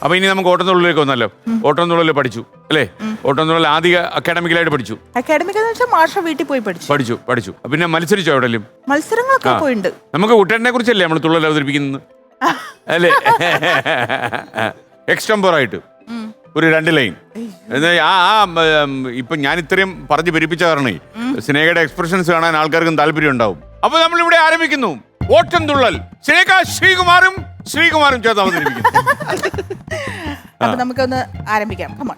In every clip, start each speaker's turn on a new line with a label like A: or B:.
A: അപ്പൊ ഇനി നമുക്ക് ഓട്ടംതുള്ളലിലേക്ക് വന്നല്ലോ. ഓട്ടംതുള്ളൽ പഠിച്ചു അല്ലേ? ഓട്ടംതുള്ളൽ ആദ്യ അക്കാഡമിക്കലായിട്ട് പഠിച്ചു.
B: അക്കാഡമിക് മാഷ വീട്ടിൽ പോയി
A: പഠിച്ചു. പിന്നെ മത്സരിച്ചോ എവിടെയും?
B: മത്സരങ്ങളൊക്കെ പോയിട്ടുണ്ട്.
A: നമുക്ക് കുട്ടേട്ടനെ കുറിച്ചല്ലേ നമ്മൾ തുള്ളൽ അവതരിപ്പിക്കുന്നത് അല്ലേ? എക്സ്റ്റംപോറായിട്ട് ഒരു 2 ലൈൻ. ഇപ്പൊ ഞാൻ ഇത്രയും പറഞ്ഞു പെരുപ്പിച്ച കാരണേ സ്നേഹയുടെ എക്സ്പ്രഷൻസ് കാണാൻ ആൾക്കാർക്കും താല്പര്യം ഉണ്ടാവും. അപ്പൊ നമ്മൾ ഇവിടെ ആരംഭിക്കുന്നു ഓട്ടംതുള്ളൽ. സ്നേഹ ശ്രീകുമാരും ചേർത്ത് അവതരിപ്പിക്കുന്നു.
B: അപ്പൊ നമുക്കൊന്ന് ആരംഭിക്കാം. കമോൺ.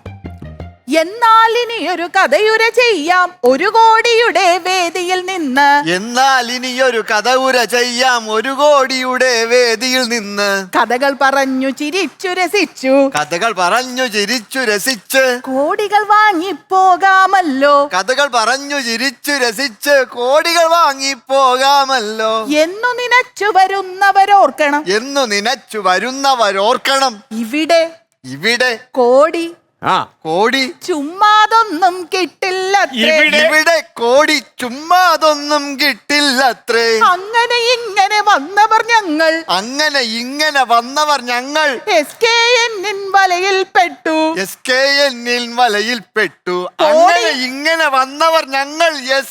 B: എന്നാൽ ഇനി ഒരു കഥയുര ചെയ്യാം 1 കോടിയുടെ വേദിയിൽ നിന്ന്.
C: എന്നാൽ ഇനിയൊരു കഥയുര ചെയ്യാം 1 കോടിയുടെ വേദിയിൽ നിന്ന്.
B: കഥകൾ പറഞ്ഞു ചിരിച്ചു രസിച്ചു.
C: കഥകൾ പറഞ്ഞു ചിരിച്ചു രസിച്ച്
B: കോടികൾ വാങ്ങിപ്പോകാമല്ലോ.
C: കഥകൾ പറഞ്ഞു ചിരിച്ചു രസിച്ച് കോടികൾ വാങ്ങിപ്പോകാമല്ലോ.
B: എന്നു നനച്ചു വരുന്നവരോർക്കണം.
C: എന്നു നനച്ചു വരുന്നവരോർക്കണം. ഇവിടെ
B: കോടി
C: കോടി
B: ചുമ്മാതൊന്നും കിട്ടില്ല.
C: ഇവിടെ കോടി ചുമ്മാതൊന്നും കിട്ടില്ലത്രേ.
B: അങ്ങനെ ഇങ്ങനെ വന്നവർ ഞങ്ങൾ.
C: അങ്ങനെ ഇങ്ങനെ വന്നവർ ഞങ്ങൾ.
B: SKN വലയിൽ പെട്ടു.
C: SKN വലയിൽ പെട്ടു. അങ്ങനെ ഇങ്ങനെ വന്നവർ ഞങ്ങൾ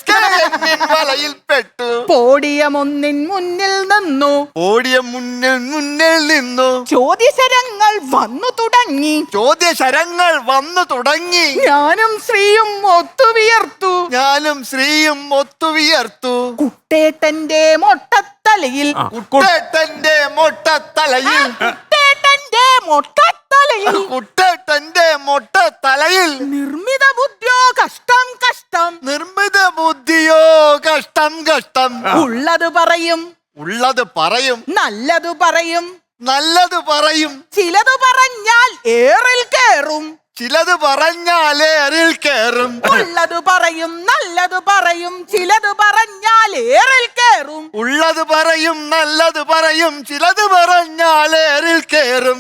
C: SKN വലയിൽ പെട്ടു.
B: പോഡിയം ഒന്നിൻ മുന്നിൽ നിന്നു.
C: പോഡിയം മുന്നിൽ നിന്നു.
B: ചോദ്യശരങ്ങൾ വന്നു തുടങ്ങി.
C: ചോദ്യശരങ്ങൾ വന്നു തുടങ്ങി.
B: ഞാനും ശ്രീയും ഒത്തുവിയർത്തു.
C: ഞാനും ശ്രീയും ഒത്തുവിയർത്തു.
B: കുട്ടേട്ടന്റെ മൊട്ടത്തലയിൽ.
C: കുട്ടേട്ടന്റെ മൊട്ടത്തലയിൽ.
B: കുട്ടേട്ടന്റെ മൊട്ടത്തലയിൽ.
C: കുട്ടേട്ടന്റെ മൊട്ടത്തലയിൽ.
B: നിർമ്മിത ബുദ്ധിയോ കഷ്ടം കഷ്ടം.
C: നിർമ്മിത ബുദ്ധിയോ കഷ്ടം കഷ്ടം.
B: ഉള്ളത് പറയും.
C: ഉള്ളത് പറയും.
B: നല്ലത് പറയും.
C: നല്ലത് പറയും.
B: ചിലത് പറഞ്ഞാൽ ഏറിൽ കേറും.
C: ചിലത് പറഞ്ഞാൽ ഏറിൽ കേറും.
B: ഉള്ളത് പറയും. നല്ലത് പറയും. ചിലത് പറഞ്ഞാൽ ഏറിൽ കേറും.
C: ഉള്ളത് പറയും. നല്ലത് പറയും. ചിലത് പറഞ്ഞാൽ ഏറിൽ കേറും.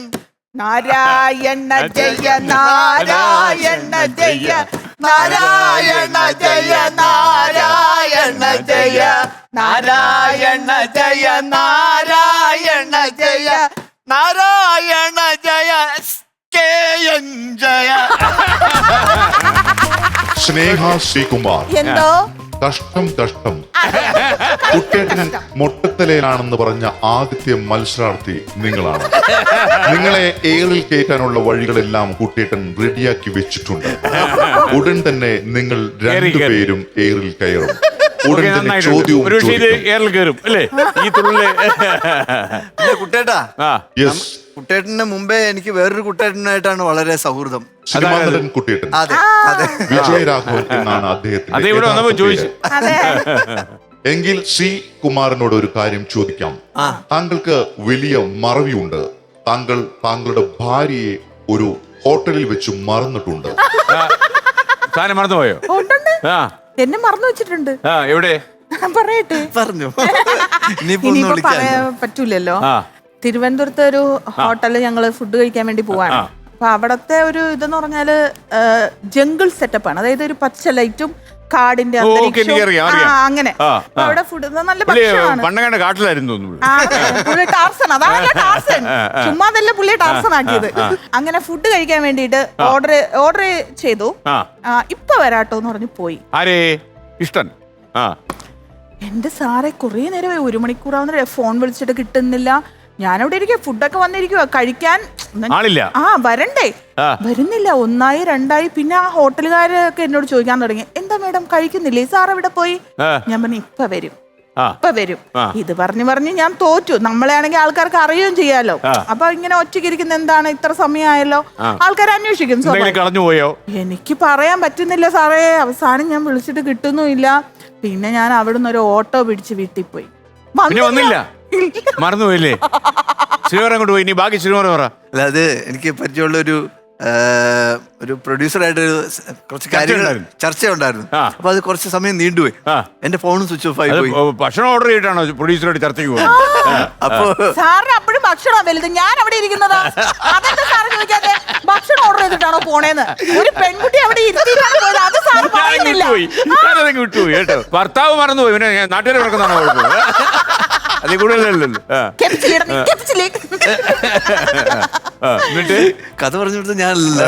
B: നാരായണ ജയ നാരായണ ജയ നാരായണ ജയ നാരായണ ജയ നാരായണ ജയ നാരായണ ജയ
C: നാരായണ ജയ SKN ജയ.
D: സ്നേഹ ശ്രീകുമാർ.
B: എന്തോ
D: കഷ്ടം കുട്ടേട്ടൻ മൊട്ടത്തലയിലാണെന്ന് പറഞ്ഞ ആദ്യത്തെ മത്സരാർത്ഥി നിങ്ങളാണ്. നിങ്ങളെ ഏറിൽ കയറ്റാനുള്ള വഴികളെല്ലാം കുട്ടേട്ടൻ റെഡിയാക്കി വെച്ചിട്ടുണ്ട്. ഉടൻ തന്നെ നിങ്ങൾ 2 പേരും ഏറിൽ കയറും. ഉടൻ തന്നെ ചോദ്യവും
C: കുട്ടേട്ടാ.
D: യെസ്.
C: കുട്ടേട്ടന് മുമ്പേ എനിക്ക് വേറൊരു കുട്ടേട്ടനായിട്ടാണ് വളരെ സൗഹൃദം.
D: സിനിമാനടൻ കുട്ടേട്ടൻ.
C: അതെ അതെ.
D: വിജയരാഘവൻ എന്നാണ് അദ്ദേഹത്തിന്റെ. എങ്കിൽ സി കുമാരനോട് ഒരു കാര്യം ചോദിക്കാം. താങ്കൾക്ക് വലിയ മറവിയുണ്ട്. താങ്കൾ താങ്കളുടെ ഭാര്യയെ ഒരു ഹോട്ടലിൽ വെച്ച് മറന്നിട്ടുണ്ട്.
A: മറന്നുപോയോ?
B: എന്നെ മറന്നു വെച്ചിട്ടുണ്ട്.
A: എവിടെ
B: പറയട്ടെ?
C: പറഞ്ഞു.
B: ഇനിയിപ്പോ പറയാൻ പറ്റൂലല്ലോ. തിരുവനന്തപുരത്തെ ഒരു ഹോട്ടലിൽ ഞങ്ങള് ഫുഡ് കഴിക്കാൻ വേണ്ടി പോവാണ്. അപ്പൊ അവിടത്തെ ഒരു ഇതെന്ന് പറഞ്ഞാല് ജംഗിൾ സെറ്റപ്പ് ആണ്. അതായത് ഒരു പച്ച ലൈറ്റും കാടിന്റെ അങ്ങനെ അവിടെ ഫുഡ് നല്ല ഭക്ഷണമാണ്.
A: കാട്ടിലായിരുന്നു
B: പുള്ളി ടാർസൺ. അതാണ് ടാർസൺ. ചുമ്മാതല്ല പുള്ളി ടാർസൺ ആക്കിയത്. അങ്ങനെ ഫുഡ് കഴിക്കാൻ വേണ്ടിട്ട് ഓർഡർ ചെയ്തു. ഇപ്പൊ വരാട്ടോന്ന് പറഞ്ഞു പോയി.
A: ഇഷ്ടൻ.
B: എന്റെ സാറെ കുറെ നേരമായി 1 മണിക്കൂറാവുന്ന ഫോൺ വിളിച്ചിട്ട് കിട്ടുന്നില്ല. ഞാനവിടെ ഇരിക്കുക. ഫുഡൊക്കെ വന്നിരിക്കുക കഴിക്കാൻ. വരണ്ടേ? വരുന്നില്ല. 1 2 പിന്നെ ആ ഹോട്ടലുകാരൊക്കെ എന്നോട് ചോദിക്കാൻ തുടങ്ങി, എന്താ മേഡം കഴിക്കുന്നില്ലേ? സാർ എവിടെ പോയി? ഞാൻ പറഞ്ഞു ഇപ്പൊ വരും. ഇത് പറഞ്ഞു ഞാൻ തോറ്റു. നമ്മളെ ആണെങ്കിൽ ആൾക്കാർക്ക് അറിയുകയും ചെയ്യാലോ. അപ്പൊ ഇങ്ങനെ ഒറ്റയ്ക്കിരിക്കുന്ന എന്താണ് ഇത്ര സമയമായല്ലോ, ആൾക്കാർ അന്വേഷിക്കും. എനിക്ക് പറയാൻ പറ്റുന്നില്ല സാറേ. അവസാനം ഞാൻ വിളിച്ചിട്ട് കിട്ടുന്നുമില്ല. പിന്നെ ഞാൻ അവിടുന്ന് ഒരു ഓട്ടോ പിടിച്ച് വീട്ടിൽ പോയി.
A: വന്നില്ല. മറന്നുപോയില്ലേ? ശ്രീവരം കൊണ്ട് പോയി. ബാക്കി ശ്രീവരം പറ.
C: അല്ല, അത് എനിക്ക് പരിചയമുള്ള ഒരു പ്രൊഡ്യൂസറായിട്ട് കുറച്ച് കാര്യങ്ങൾ ചർച്ച ഉണ്ടായിരുന്നു. അപ്പൊ അത് കുറച്ച് സമയം നീണ്ടുപോയി. എന്റെ ഫോണും സ്വിച്ച് ഓഫ് ആയി പോയി.
A: ഭക്ഷണം ഓർഡർ ചെയ്തിട്ടാണോ പ്രൊഡ്യൂസറായിട്ട് ചർച്ചയ്ക്ക് പോകുന്നത്?
C: അപ്പൊ
B: സാറിന് അപ്പോഴും ഭക്ഷണം വലുത്. ഞാൻ അവിടെ ഇരിക്കുന്നതാ. അതെന്താ സാറ് ചോദിക്കാതെ? ഭക്ഷണം ഓർഡർ ചെയ്തിട്ടാണോ പോണേന്ന്? ഒരു പെൺകുട്ടി അവിടെ ഇരുത്തിയിട്ടാണ് പോയത്. അത് സാറ് പറയുന്നില്ല.
A: വിട്ടുപോയി കേട്ടോ. ഭർത്താവ് മറന്നുപോയി. പിന്നെ നാട്ടുകാരെ നടക്കുന്നതാണോ? അതിൽ കൂടുതലല്ലോ. എന്നിട്ട്
C: കഥ പറഞ്ഞു കൊടുത്ത ഞാനല്ല.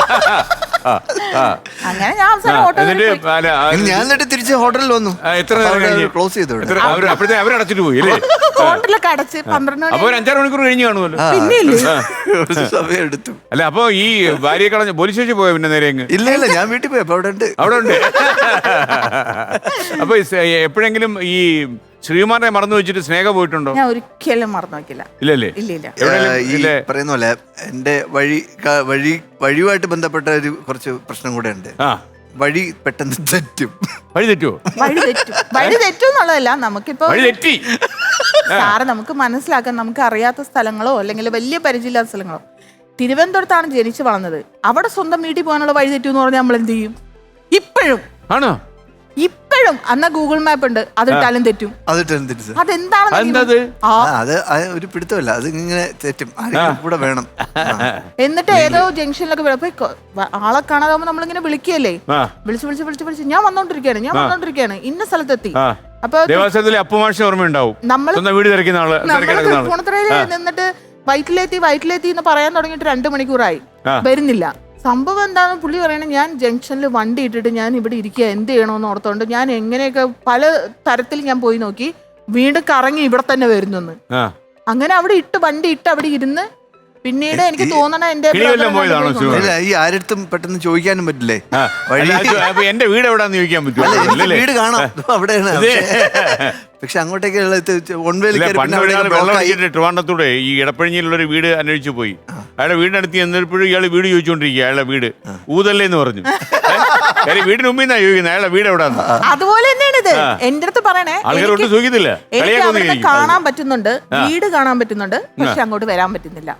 B: അങ്ങനെ ഞാൻ അവസാനം ഓട്ടോ
C: ഞാൻ എന്നിട്ട് തിരിച്ച് ഹോട്ടലിൽ വന്നു.
A: എത്ര നേരം കഴിഞ്ഞ്?
C: ക്ലോസ് ചെയ്തു.
A: അപ്പോഴത്തെ അവരടച്ചിട്ട് പോയി അല്ലേ?
B: ഹോട്ടലൊക്കെ അടച്ച് 12
A: അപ്പൊ ഒരു 5-6 മണിക്കൂർ കഴിഞ്ഞ് കാണുമല്ലോ.
C: ഒരു സമയം എടുത്തു.
A: അല്ല അപ്പൊ ഈ ഭാര്യയെ കളഞ്ഞ പോലീസ് സ്റ്റേഷൻ പോയോ പിന്നെ നേരെ അങ്ങ്?
C: ഇല്ല ഞാൻ വീട്ടിൽ പോയി. അപ്പൊ അവിടെ ഉണ്ട്.
A: അവിടെ ഉണ്ട്. അപ്പൊ എപ്പോഴെങ്കിലും ഈ ശ്രീകുമാറിനെ മറന്നു വെച്ചിട്ട് സ്നേഹ പോയിട്ടുണ്ടോ?
B: ഞാൻ ഒരിക്കലും മറന്നു വെക്കില്ല.
A: ഇല്ലല്ലേ?
C: ഈ പറയുന്ന പോലെ എന്റെ വഴിയുമായിട്ട് ബന്ധപ്പെട്ട ഒരു കുറച്ച് പ്രശ്നം കൂടെ ഉണ്ട്. വഴി പെട്ടെന്ന് തെറ്റും.
A: വഴി തെറ്റുമോ?
B: വഴി തെറ്റും എന്നുള്ളതല്ല, നമുക്കിപ്പോ
A: വഴി തെറ്റി
B: സാറ് നമുക്ക് മനസ്സിലാക്കാൻ നമുക്ക് അറിയാത്ത സ്ഥലങ്ങളോ അല്ലെങ്കിൽ വലിയ പരിചയമില്ലാത്ത സ്ഥലങ്ങളോ. തിരുവനന്തപുരത്താണ് ജനിച്ചു വളർന്നത്. അവിടെ സ്വന്തം വീട്ടിൽ പോകാനുള്ള വഴി തെറ്റു എന്ന് പറഞ്ഞാൽ നമ്മൾ എന്ത് ചെയ്യും? ഇപ്പോഴും ഇപ്പോഴും അന്ന് ഗൂഗിൾ മാപ്പ് ഉണ്ട്, അതിട്ടാലും തെറ്റും. അതെന്താണ്
C: അത് ഒരു പിടുത്തമല്ല, അത് ഇങ്ങനെ തെറ്റും. കൂടെ വേണം.
B: എന്നിട്ട് ഏതോ ജംഗ്ഷനിലൊക്കെ ആളെ കാണാതാവുമ്പോ നമ്മളിങ്ങനെ വിളിക്കുകയല്ലേ, വിളിച്ച് ഞാൻ വന്നോണ്ടിരിക്കുകയാണ് ഇന്ന സ്ഥലത്തെത്തി. അപ്പൊ
A: ഓർമ്മയുണ്ടാവും
B: ഫോണത്രയില് നിന്നിട്ട് വയറ്റിലെത്തി എന്ന് പറയാൻ തുടങ്ങിയിട്ട് 2 മണിക്കൂറായി, വരുന്നില്ല. സംഭവം എന്താണെന്ന് പുള്ളി പറയണേ, ഞാൻ ജംഗ്ഷനിൽ വണ്ടി ഇട്ടിട്ട് ഞാൻ ഇവിടെ ഇരിക്കുക, എന്ത് ചെയ്യണമെന്ന് ഓർത്തോണ്ട് ഞാൻ എങ്ങനെയൊക്കെ പല തരത്തിൽ ഞാൻ പോയി നോക്കി, വീണ്ടും കറങ്ങി ഇവിടെ തന്നെ വരുന്നെന്ന്. അങ്ങനെ അവിടെ വണ്ടി ഇട്ട് അവിടെ ഇരുന്ന് പിന്നീട് എനിക്ക് തോന്നണ
C: ഈ ആരടുത്തും പെട്ടെന്ന് ചോദിക്കാനും പറ്റില്ലേ
A: എന്റെ വീട് എവിടാന്ന് ചോദിക്കാൻ പറ്റും.
C: വീട് കാണാം അവിടെയാണ്. പക്ഷെ അങ്ങോട്ടേക്ക്
A: ട്രിവാൻഡത്തൂടെ ഈ ഇടപ്പഴിഞ്ഞിലുള്ളൊരു വീട് അന്വേഷിച്ചു പോയി. അയാളുടെ വീടിനടുത്ത് ചെന്നപ്പോഴും ഇയാള് വീട് ചോദിച്ചോണ്ടിരിക്കുക. അയാളുടെ വീട് ഊതല്ലേ എന്ന് പറഞ്ഞു. വീടിന് മുമ്പിൽ നിന്നാ ചോദിക്കുന്നത് അയാളുടെ വീട് എവിടാന്ന്.
B: അതുപോലെ തന്നെയാണ് ഇത്. എന്റെ അടുത്ത് പറയണേ,
A: ആൾക്കാരോട്ട് ചോദിക്കത്തില്ല.
B: കാണാൻ പറ്റുന്നുണ്ട്, വീട് കാണാൻ പറ്റുന്നുണ്ട്, പക്ഷെ അങ്ങോട്ട് വരാൻ പറ്റുന്നില്ല.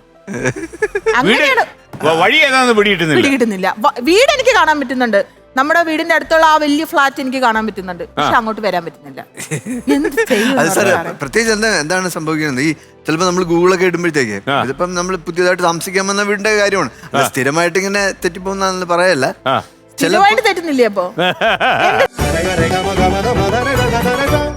A: വഴി ഏതാന്ന് പിടികിട്ടുന്നില്ല.
B: വീട് എനിക്ക് കാണാൻ പറ്റുന്നുണ്ട്, നമ്മുടെ വീടിന്റെ അടുത്തുള്ള ആ വലിയ ഫ്ലാറ്റ് എനിക്ക് കാണാൻ പറ്റുന്നുണ്ട്, പക്ഷെ അങ്ങോട്ട് വരാൻ പറ്റുന്നില്ല.
C: പ്രത്യേകിച്ച് എന്താണ് സംഭവിക്കുന്നത്? ഈ ചിലപ്പോ നമ്മൾ ഗൂഗിളൊക്കെ ഇടുമ്പോഴത്തേക്ക് ഇതിപ്പം നമ്മൾ പുതിയതായിട്ട് താമസിക്കാൻ വന്ന വീടിന്റെ കാര്യമാണ്. സ്ഥിരമായിട്ട് ഇങ്ങനെ തെറ്റിപ്പോകുന്ന പറയല്ല,
B: സ്ഥിരമായിട്ട് തെറ്റുന്നില്ലേ? അപ്പൊ